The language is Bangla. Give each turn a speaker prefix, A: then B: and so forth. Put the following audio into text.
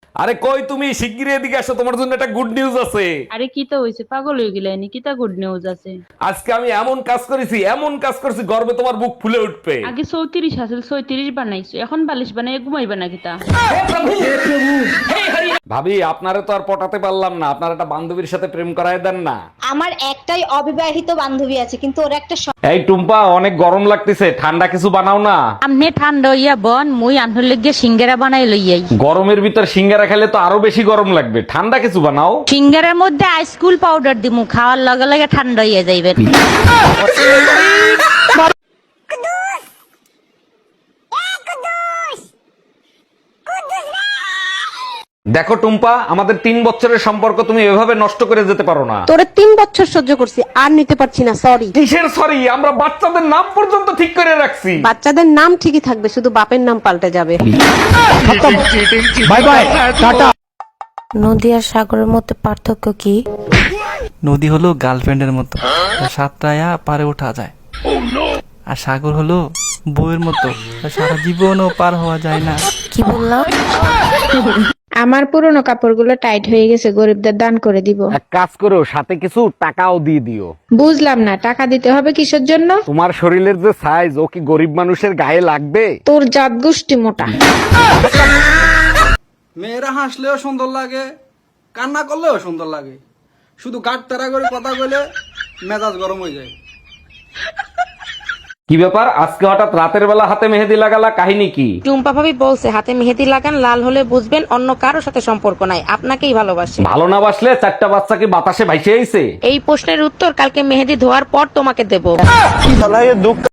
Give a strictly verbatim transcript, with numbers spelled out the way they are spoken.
A: আরে কই তুমি শিগগিরই এদিকে আসো, তোমার জন্য একটা গুড নিউজ আছে।
B: আরে কি তো হইছে, পাগল হয়ে গেলেনি? কি তা গুড নিউজ আছে?
A: আজকে আমি এমন কাজ করেছি, এমন কাজ করেছি, গর্বে তোমার বুক ফুলে উঠবে।
B: আগে চৌত্রিশ আসল ছয়ত্রিশ বানাইছো, এখন বালিশ বানাই ঘুমাইবা নাকি তা?
A: ভাবি আপনারে তো আর পটাতে পারলাম না, আপনার একটা বান্ধবীর সাথে প্রেম করায় দেন না।
C: আমার একটাই অবিবাহিত বান্ধবী আছে, কিন্তু ওর একটা স-
A: এই টুম্পা, অনেক গরম লাগতেছে, ঠান্ডা কিছু বানাও না।
D: আমনে ঠান্ডা হইয়া বন, মুই আনহর লইগে সিঙ্গারা বানাই লইয়াই।
A: গরমের ভিতর সিঙ্গারা খেলে তো আরো বেশি গরম লাগবে, ঠান্ডা কিছু বানাও।
D: সিঙ্গারার মধ্যে আইসকুল পাউডার দিমু, খাওয়ার লগে লগে ঠান্ডা হইয়া যাইবে।
A: দেখো টুম্পা, আমাদের তিন বছরের সম্পর্ক তুমি এভাবে নষ্ট করে যেতে পারো না।
E: তোরে তিন বছর সহ্য করছি, আর নিতে পারছি না, সরি।
A: কিসের সরি? আমরা বাচ্চাদের নাম পর্যন্ত ঠিক করে রাখছি।
E: বাচ্চাদের নাম ঠিকই থাকবে, শুধু বাপের নাম পাল্টে যাবে।
A: বাই বাই, টাটা।
F: নদী আর সাগরের মধ্যে পার্থক্য কি?
G: নদী হলো গার্লফ্রেন্ডের মতো, সাতটায়া পারে ওঠা যায়। আর সাগর হলো বউয়ের মতো, সারা জীবনও পার হওয়া যায় না।
F: কি বললাম?
H: আমার পুরনো কাপড়গুলো টাইট হয়ে গেছে, গরিবদের দান করে দিব।
A: এক কাজ করো, সাথে কিছু টাকাও দিয়ে দিও।
H: বুঝলাম না, টাকা দিতে হবে কিসের জন্য?
A: তোমার শরীরের যে সাইজ, ও কি গরিব মানুষের গায়ে লাগবে?
H: তোর জাত গোষ্ঠী মোটা।
I: মেয়েরা হাসলেও সুন্দর লাগে, কান্না করলেও সুন্দর লাগে, শুধু গাট তারা করে কথা বলে মেজাজ গরম হয়ে যায়।
A: কি ব্যাপার, আজকে হঠাৎ রাতের বেলা হাতে মেহেদি লাগালা, কাহিনী কি?
D: টুম্পা ভাবি বলছে হাতে মেহেদি লাগান, লাল হলে বুঝবেন অন্য কারোর সাথে সম্পর্ক নাই, আপনাকেই ভালোবাসে।
A: ভালো না বাসলে চারটা বাচ্চা কি বাতাসে ভাইসে আইছে?
D: এই প্রশ্নের উত্তর কালকে মেহেদি ধোয়ার পর তোমাকে দেব।